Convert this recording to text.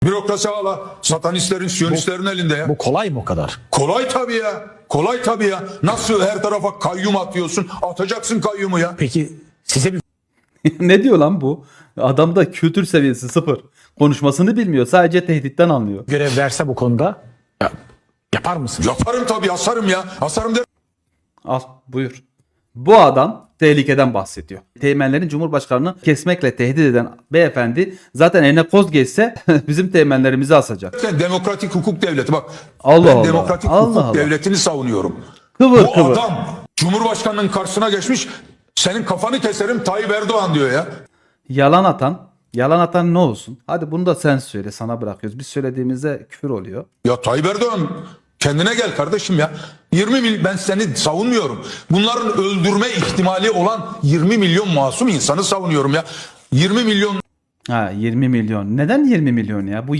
Bürokrasi hala satanistlerin, siyonistlerin elinde ya. Bu kolay mı o kadar? Kolay tabii ya. Kolay tabii ya. Nasıl her tarafa kayyum atıyorsun? Atacaksın kayyumu ya. Peki size bir Ne diyor lan bu? Adamda kültür seviyesi sıfır. Konuşmasını bilmiyor. Sadece tehditten anlıyor. görev verse bu konuda yapar mısın? Yaparım tabii, asarım ya. Asarım der. Al buyur. Bu adam tehlikeden bahsediyor. Teğmenlerin Cumhurbaşkanı'nı kesmekle tehdit eden beyefendi zaten eline koz geçse bizim teğmenlerimizi asacak. Demokratik hukuk devleti. Bak Allah ben Allah. demokratik Allah hukuk Allah. devletini savunuyorum. Kıvır Bu kıvır. adam Cumhurbaşkanının karşısına geçmiş, senin kafanı keserim Tayyip Erdoğan diyor ya. Yalan atan ne olsun? Hadi bunu da sen söyle, sana bırakıyoruz. Biz söylediğimizde küfür oluyor. Ya Tayyip Erdoğan kendine gel kardeşim ya. 20 milyon, ben seni savunmuyorum. Bunların öldürme ihtimali olan 20 milyon masum insanı savunuyorum ya. 20 milyon Ha 20 milyon. Neden 20 milyon ya? Bu